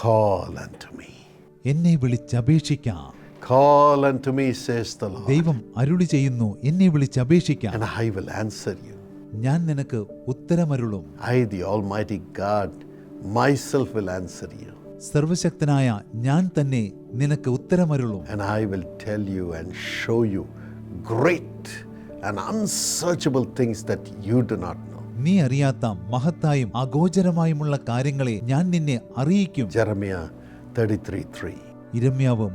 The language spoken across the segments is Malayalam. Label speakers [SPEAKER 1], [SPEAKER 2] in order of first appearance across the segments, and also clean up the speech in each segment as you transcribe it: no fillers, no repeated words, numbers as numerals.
[SPEAKER 1] Call unto me.
[SPEAKER 2] എന്നെ വിളിച്ചപേക്ഷിക്കാം.
[SPEAKER 1] Call unto me, says the Lord,
[SPEAKER 2] ദൈവം അരുളി ചെയ്യുന്നു, എന്നെ വിളിച്ചപേക്ഷിക്കാം,
[SPEAKER 1] and I will answer you.
[SPEAKER 2] ഞാൻ നിനക്ക് ഉത്തരമരുളും.
[SPEAKER 1] I, the Almighty God, myself will answer you.
[SPEAKER 2] സർവശക്തനായ ഞാൻ തന്നെ നിനക്ക് ഉത്തരമരുളും.
[SPEAKER 1] And I will tell you and show you great and unsearchable things that you do not know.
[SPEAKER 2] നീ അറിയാത്ത മഹത്തായും അഗോചരമായുമുള്ള കാര്യങ്ങളെ ഞാൻ നിന്നെ അറിയിക്കും.
[SPEAKER 1] Jeremiah 33:3.
[SPEAKER 2] യിരെമ്യാവ്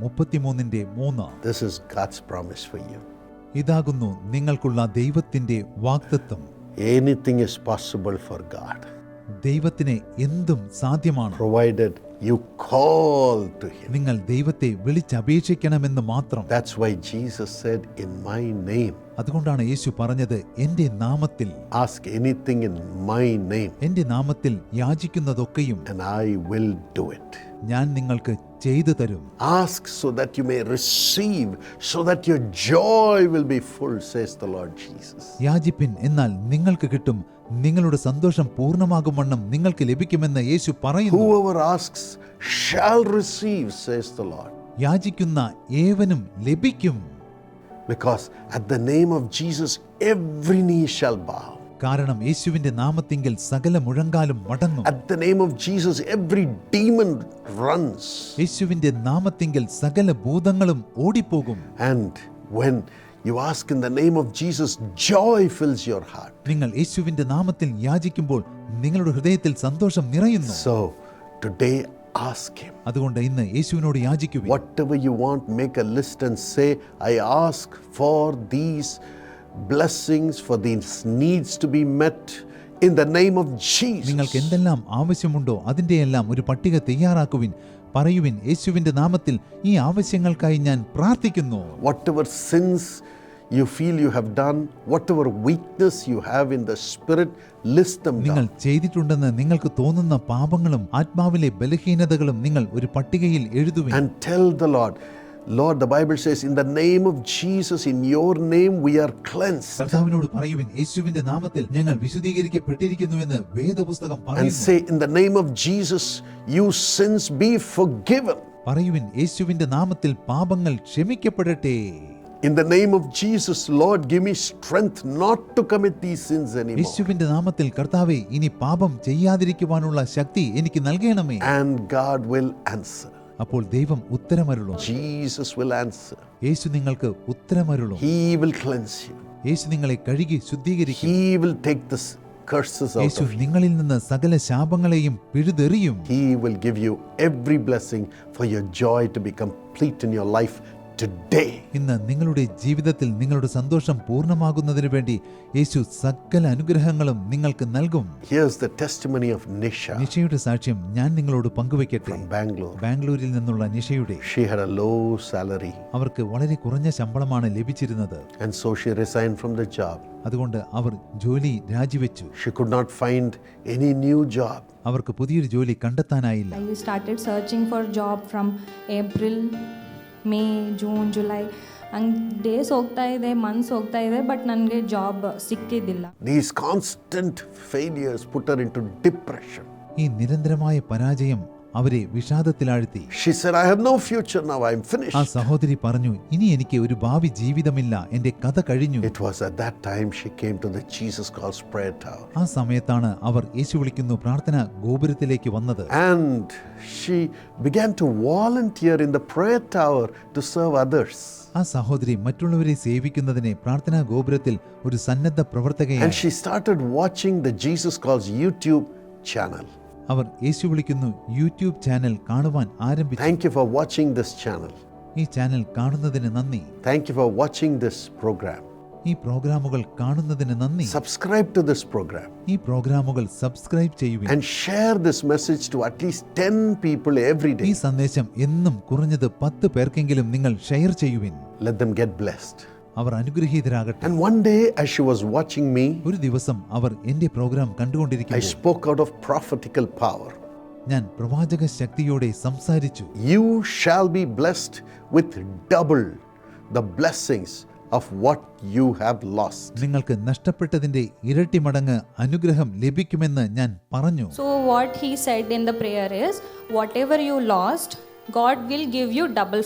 [SPEAKER 2] 33:3.
[SPEAKER 1] This is God's promise for you.
[SPEAKER 2] ഇതാകുന്നു നിങ്ങൾക്കുള്ള ദൈവത്തിന്റെ വാഗ്ദത്തം.
[SPEAKER 1] Anything is possible for God,
[SPEAKER 2] ദൈവത്തിന് എന്തും സാധ്യമാണ്,
[SPEAKER 1] provided you call to Him.
[SPEAKER 2] നിങ്ങൾ ദൈവത്തെ വിളിച്ചപേക്ഷിക്കണമെന്ന് മാത്രം.
[SPEAKER 1] That's why Jesus said, in my name.
[SPEAKER 2] അതുകൊണ്ടാണ് യേശു പറഞ്ഞത്, എന്റെ നാമത്തിൽ.
[SPEAKER 1] Ask anything in my name,
[SPEAKER 2] എന്റെ നാമത്തിൽ യാചിക്കുന്നതൊക്കെയും
[SPEAKER 1] and I will do it.
[SPEAKER 2] ഞാൻ നിങ്ങൾക്ക് ചെയ്തു തരും.
[SPEAKER 1] Ask so that you may receive, so that your joy will be full, says the Lord Jesus.
[SPEAKER 2] യാചിപ്പിൻ, എന്നാൽ നിങ്ങൾക്ക് കിട്ടും, നിങ്ങളുടെ സന്തോഷം പൂർണ്ണമാകും വണ്ണം നിങ്ങൾക്ക് ലഭിക്കുമെന്ന് യേശു പറയുന്നു.
[SPEAKER 1] Whoever asks shall receive, says the Lord.
[SPEAKER 2] യാചിക്കുന്ന ഏവനും ലഭിക്കും.
[SPEAKER 1] Because at the name of Jesus every knee shall bow.
[SPEAKER 2] കാരണം യേശുവിന്റെ നാമത്തിങ്കൽ സകല മുഴങ്കാലും മടങ്ങും.
[SPEAKER 1] At the name of Jesus every demon runs.
[SPEAKER 2] യേശുവിന്റെ നാമത്തിങ്കൽ സകല ഭൂതങ്ങളും ഓടിപ്പോകും.
[SPEAKER 1] And when you ask in the name of Jesus, joy fills your heart.
[SPEAKER 2] നിങ്ങൾ യേശുവിന്റെ നാമത്തിൽ യാചിക്കുമ്പോൾ നിങ്ങളുടെ ഹൃദയത്തിൽ സന്തോഷം നിറയുന്നു.
[SPEAKER 1] So today ask Him.
[SPEAKER 2] അതുകൊണ്ട് ഇന്ന് യേശുവിനോട് യാചിക്കുവിൻ.
[SPEAKER 1] Whatever you want, make a list and say, I ask for these blessings, for these needs to be met in the name of Jesus.
[SPEAKER 2] നിങ്ങൾക്ക് എന്തെല്ലാം ആവശ്യമുണ്ടോ അതിന്റെ എല്ലാം ഒരു പട്ടിക തയ്യാറാക്കുവിൻ. പറയുവിൻ, യേശുവിന്റെ നാമത്തിൽ ഈ ആവശ്യങ്ങൾക്കായി ഞാൻ പ്രാർത്ഥിക്കുന്നു.
[SPEAKER 1] Whatever sins you feel you have done, whatever weakness you have in the spirit, list them
[SPEAKER 2] നിങ്ങൾ
[SPEAKER 1] down.
[SPEAKER 2] ചെയ്തിട്ടുണ്ടെന്ന് നിങ്ങൾക്ക് തോന്നുന്ന പാപങ്ങളും ആത്മാവിലെ ബലഹീനതകളും നിങ്ങൾ ഒരു പട്ടികയിൽ എഴുതുവിൻ.
[SPEAKER 1] And tell the Lord, Lord, the Bible says, in the name of Jesus, in your name we are cleansed.
[SPEAKER 2] കർത്താവിനോട് പറയുവിൻ, യേശുവിന്റെ നാമത്തിൽ ഞങ്ങൾ വിശുദ്ധീകരിക്കപ്പെട്ടിരിക്കുന്നുവെന്ന് വേദപുസ്തകം
[SPEAKER 1] And
[SPEAKER 2] പറയുന്നു.
[SPEAKER 1] say, in the name of Jesus, you sins be forgiven.
[SPEAKER 2] പറയുവിൻ, യേശുവിന്റെ നാമത്തിൽ പാപങ്ങൾ ക്ഷമിക്കപ്പെടട്ടെ.
[SPEAKER 1] In the name of Jesus, Lord, give me strength not to commit these sins anymore.
[SPEAKER 2] യേശുവിന്റെ നാമത്തിൽ കർത്താവേ, ഇനി പാപം ചെയ്യാതിരിക്കുവാനുള്ള ശക്തി എനിക്ക് നൽകണമേ.
[SPEAKER 1] And God will answer.
[SPEAKER 2] അപ്പോൾ ദൈവം ഉത്തരമരുളും.
[SPEAKER 1] Jesus will answer.
[SPEAKER 2] യേശു നിങ്ങൾക്ക് ഉത്തരമരുളും.
[SPEAKER 1] He will cleanse you.
[SPEAKER 2] യേശു നിങ്ങളെ കഴുകി ശുദ്ധീകരിക്കും.
[SPEAKER 1] He will take the curses out
[SPEAKER 2] Yeshu
[SPEAKER 1] of you.
[SPEAKER 2] നിങ്ങളിൽ നിന്ന് സകല ശാപങ്ങളെയും പിഴുതെറിയും.
[SPEAKER 1] He will give you every blessing for your joy to be complete in your life today.
[SPEAKER 2] ഇന്ന് നിങ്ങളുടെ ജീവിതത്തിൽ നിങ്ങളുടെ സന്തോഷം പൂർണ്ണമാകുന്നതിന് വേണ്ടി യേശു സകല അനുഗ്രഹങ്ങളും നിങ്ങൾക്ക് നൽകും.
[SPEAKER 1] Here's the testimony of Nisha
[SPEAKER 2] നിഷയുടെ സാക്ഷ്യം ഞാൻ നിങ്ങളോട് പങ്കുവയ്ക്കട്ടെ.
[SPEAKER 1] from Bangalore.
[SPEAKER 2] ബാംഗ്ലൂരിൽ നിന്നുള്ള നിഷയുടെ
[SPEAKER 1] She had a low salary,
[SPEAKER 2] അവർക്ക് വളരെ കുറഞ്ഞ ശമ്പളമാണ് ലഭിച്ചിരുന്നത്.
[SPEAKER 1] and so she resigned from the job.
[SPEAKER 2] അതുകൊണ്ട് അവർ ജോലി രാജിവെച്ചു.
[SPEAKER 1] She could not find any new job.
[SPEAKER 2] അവർക്ക് പുതിയൊരു ജോലി കണ്ടെത്താനായില്ല.
[SPEAKER 3] I started searching for job from April, May, June, July. ಹಂಗೆ ಡೇಸ್ ಹೋಗ್ತಾ ಇದೆ, ಮಂತ್ಸ್ ಹೋಗ್ತಾ ಇದೆ, ಬಟ್ ನನಗೆ ಜಾಬ್ ಸಿಕ್ಕಿದ್ದಿಲ್ಲ.
[SPEAKER 1] These constant failures put her into depression.
[SPEAKER 2] ഈ നിരന്തരമായ പരാജയം അവരെ വിഷാദത്തിലാഴ്ത്തി.
[SPEAKER 1] She said, I have no future now, I'm finished.
[SPEAKER 2] ആ സഹോദരി പറഞ്ഞു, ഇനി എനിക്ക് ഒരു ഭാവി ജീവിതമില്ല, എന്റെ കഥ കഴിഞ്ഞു.
[SPEAKER 1] It was at that time she came to the Jesus Calls Prayer Tower.
[SPEAKER 2] ആ സമയത്താണ് അവർ യേശു വിളിക്കുന്നു പ്രാർത്ഥന ഗോപുരത്തിലേക്ക് വന്നത്.
[SPEAKER 1] And she began to volunteer in the prayer tower to serve others.
[SPEAKER 2] ആ സഹോദരി മറ്റുള്ളവരെ സേവിക്കുന്നതിനെ പ്രാർത്ഥനാ ഗോപുരത്തിൽ ഒരു സന്നദ്ധ
[SPEAKER 1] And
[SPEAKER 2] പ്രവർത്തകയായി.
[SPEAKER 1] she started watching the Jesus Calls YouTube channel.
[SPEAKER 2] അവർ യേശു വിളിക്കുന്നു യൂട്യൂബ് ചാനൽ കാണുവാൻ ആരംഭിച്ചു.
[SPEAKER 1] Thank you for watching this channel.
[SPEAKER 2] ഈ ചാനൽ കാണുന്നതിന് നന്ദി.
[SPEAKER 1] Thank you for watching this program.
[SPEAKER 2] ഈ പ്രോഗ്രാമുകൾ കാണുന്നതിന് നന്ദി.
[SPEAKER 1] Subscribe to this program
[SPEAKER 2] ഈ പ്രോഗ്രാമുകൾ സബ്സ്ക്രൈബ് ചെയ്യുവിൻ.
[SPEAKER 1] and share this message to at least 10 people every
[SPEAKER 2] ഈ
[SPEAKER 1] day.
[SPEAKER 2] സന്ദേശം എന്നും കുറഞ്ഞത് 10 പേർക്കെങ്കിലും നിങ്ങൾ ഷെയർ ചെയ്യുവിൻ.
[SPEAKER 1] Let them get blessed.
[SPEAKER 2] Our അനുഗ്രഹീതരാകട്ടെ.
[SPEAKER 1] And one day, as she was watching me,
[SPEAKER 2] ഒരു ദിവസം അവർ എന്റെ പ്രോഗ്രാം
[SPEAKER 1] I
[SPEAKER 2] കണ്ടുകൊണ്ടിരിക്കുമ്പോൾ
[SPEAKER 1] spoke out of prophetical power.
[SPEAKER 2] ഞാൻ പ്രവാചക ശക്തിയോടെ സംസാരിച്ചു.
[SPEAKER 1] You shall be blessed with double the blessings of what you have lost.
[SPEAKER 2] നിങ്ങൾക്ക് നഷ്ടപ്പെട്ടതിന്റെ ഇരട്ടി മടങ്ങ് അനുഗ്രഹം ലഭിക്കുമെന്ന് ഞാൻ പറഞ്ഞു.
[SPEAKER 3] So what he said in the prayer is, whatever you lost, God will give you double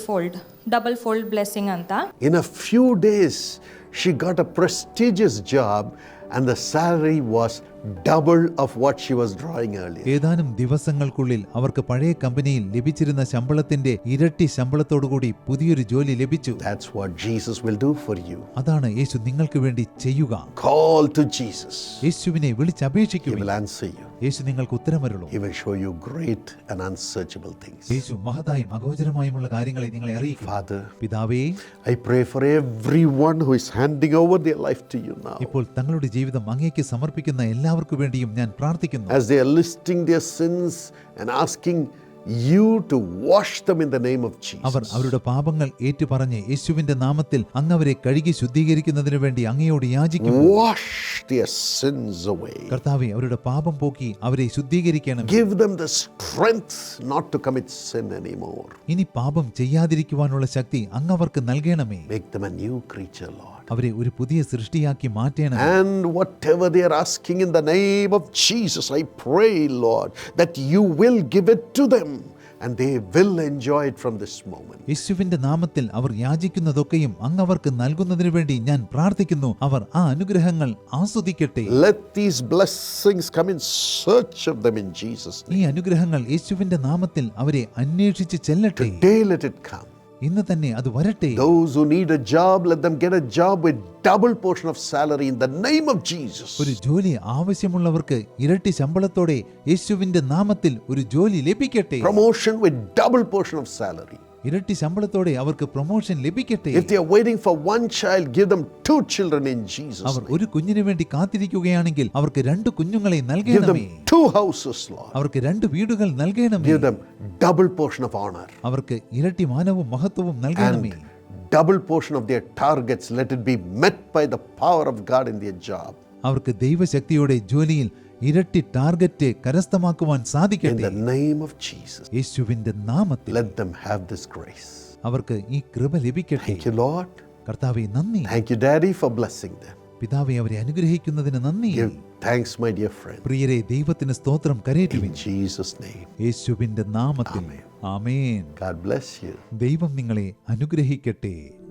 [SPEAKER 3] fold blessing anta.
[SPEAKER 1] In a few days, she got a prestigious job and the salary was double of what she was drawing earlier.
[SPEAKER 2] ഏതാനും ദിവസങ്ങൾക്കുള്ളിൽ അവർക്ക് പഴയ കമ്പനിയിൽ ലഭിച്ചിരുന്ന ശമ്പളത്തിന്റെ ഇരട്ടി ശമ്പളത്തോടുകൂടി പുതിയൊരു ജോലി ലഭിച്ചു.
[SPEAKER 1] That's what Jesus will do for you.
[SPEAKER 2] അതാണ് യേശു നിങ്ങൾക്ക് വേണ്ടി ചെയ്യുക.
[SPEAKER 1] Call to Jesus.
[SPEAKER 2] യേശുവിനെ
[SPEAKER 1] He
[SPEAKER 2] വിളിച്ചപേക്ഷിക്കുക.
[SPEAKER 1] will answer you.
[SPEAKER 2] യേശു നിങ്ങൾക്ക് ഉത്തരമരുളും.
[SPEAKER 1] He will show you great and unsearchable things.
[SPEAKER 2] യേശു മഹത്തായും അഗോചരമായുമുള്ള കാര്യങ്ങളെ നിങ്ങളെ അറിയിക്കും.
[SPEAKER 1] Father,
[SPEAKER 2] പിതാവേ,
[SPEAKER 1] I pray for everyone who is handing over their life to you now.
[SPEAKER 2] ഇപ്പോൾ തങ്ങളുടെ ജീവിതം അങ്ങേക്ക് സമർപ്പിക്കുന്ന എല്ലാവർക്കു വേണ്ടിയും ഞാൻ പ്രാർത്ഥിക്കുന്നു.
[SPEAKER 1] As they are listing their sins and asking you to wash them in the name of
[SPEAKER 2] our
[SPEAKER 1] Jesus.
[SPEAKER 2] അവരുടെ പാപങ്ങൾ ഏറ്റുപറഞ്ഞ് യേശുവിന്റെ നാമത്തിൽ അങ്ങ് അവരെ കഴുകി ശുദ്ധീകരിക്കുന്നതിന് വേണ്ടി അങ്ങയോട് യാചിക്കുന്നു.
[SPEAKER 1] Wash their sins away.
[SPEAKER 2] കർത്താവേ, അവരുടെ പാപം പോക്കി അവരെ ശുദ്ധീകരിക്കണം.
[SPEAKER 1] Give them the strength not to commit sin anymore.
[SPEAKER 2] ഇനി പാപം ചെയ്യാതിരിക്കുവാനുള്ള ശക്തി അങ്ങ് അവർക്ക് നൽകണമേ.
[SPEAKER 1] Make them a new creature, Lord.
[SPEAKER 2] അവരെ ഒരു പുതിയ സൃഷ്ടിയാക്കി മാറ്റണം.
[SPEAKER 1] And whatever they are asking in the name of Jesus, I pray, Lord, that you will give it to them and they will enjoy it from this moment.
[SPEAKER 2] യേശുവിന്റെ നാമത്തിൽ അവർ യാചിക്കുന്നതൊക്കെയും അങ്ങ് അവർക്ക് നൽകുന്നതിന് വേണ്ടി ഞാൻ പ്രാർത്ഥിക്കുന്നു. അവർ ആ അനുഗ്രഹങ്ങൾ ആസ്വദിക്കട്ടെ.
[SPEAKER 1] Let these blessings come in search of them in Jesus' name.
[SPEAKER 2] ഈ അനുഗ്രഹങ്ങൾ യേശുവിന്റെ നാമത്തിൽ അവരെ അന്വേഷിച്ച് ചെല്ലട്ടെ.
[SPEAKER 1] Today let it come.
[SPEAKER 2] ഇന്ന് തന്നെ അത് വരട്ടെ.
[SPEAKER 1] Those who need a job, let them get a job with double portion of salary in the name of Jesus.
[SPEAKER 2] ഒരു ജോലി ആവശ്യമുള്ളവർക്ക് ഇരട്ടി ശമ്പളത്തോടെ യേശുവിന്റെ നാമത്തിൽ ഒരു ജോലി ലഭിക്കട്ടെ.
[SPEAKER 1] Promotion with double portion of salary.
[SPEAKER 2] ഇരട്ടി ശമ്പളത്തോടെ അവർക്ക് പ്രൊമോഷൻ ലഭിക്കട്ടെ.
[SPEAKER 1] If they are waiting for one child, give them 2 children in Jesus'
[SPEAKER 2] our
[SPEAKER 1] name.
[SPEAKER 2] ഒരു കുഞ്ഞിന് വേണ്ടി കാത്തിരിക്കുകയാണെങ്കിൽ അവർക്ക് 2 കുഞ്ഞുങ്ങളെ
[SPEAKER 1] Give them
[SPEAKER 2] നൽകണമേ.
[SPEAKER 1] 2 houses, Lord.
[SPEAKER 2] അവർക്ക് 2 വീടുകൾ നൽകണമേ.
[SPEAKER 1] Give them double portion of honor.
[SPEAKER 2] അവർക്ക് ഇരട്ടി മാനവും മഹത്വവും നൽകണമേ.
[SPEAKER 1] And double portion of their targets, let it be met by the power of God in their job.
[SPEAKER 2] അവർക്ക് ദൈവശക്തിയോടെ ജോലിയിൽ ഇരട്ടി ടാർഗറ്റ് കരസ്ഥമാക്കുവാൻ
[SPEAKER 1] In
[SPEAKER 2] സാധിക്കട്ടെ.
[SPEAKER 1] the name of Jesus,
[SPEAKER 2] യേശുവിന്റെ നാമത്തിൽ
[SPEAKER 1] let them have this grace.
[SPEAKER 2] അവർക്ക് ഈ കൃപ ലഭിക്കട്ടെ.
[SPEAKER 1] Thank you, Lord.
[SPEAKER 2] കർത്താവേ, നന്ദി.
[SPEAKER 1] Thank you, Daddy, for blessing them.
[SPEAKER 2] പിതാവേ, അവരെ അനുഗ്രഹിക്കുന്നതിന് നന്ദി.
[SPEAKER 1] Give thanks, my dear friend.
[SPEAKER 2] പ്രിയരെ, ദൈവത്തിന് സ്തോത്രം കരേറ്റുവിൻ.
[SPEAKER 1] In Jesus' name.
[SPEAKER 2] യേശുവിന്റെ നാമത്തിൽ. ആമേൻ.
[SPEAKER 1] God bless you.
[SPEAKER 2] ദൈവം നിങ്ങളെ അനുഗ്രഹിക്കട്ടെ.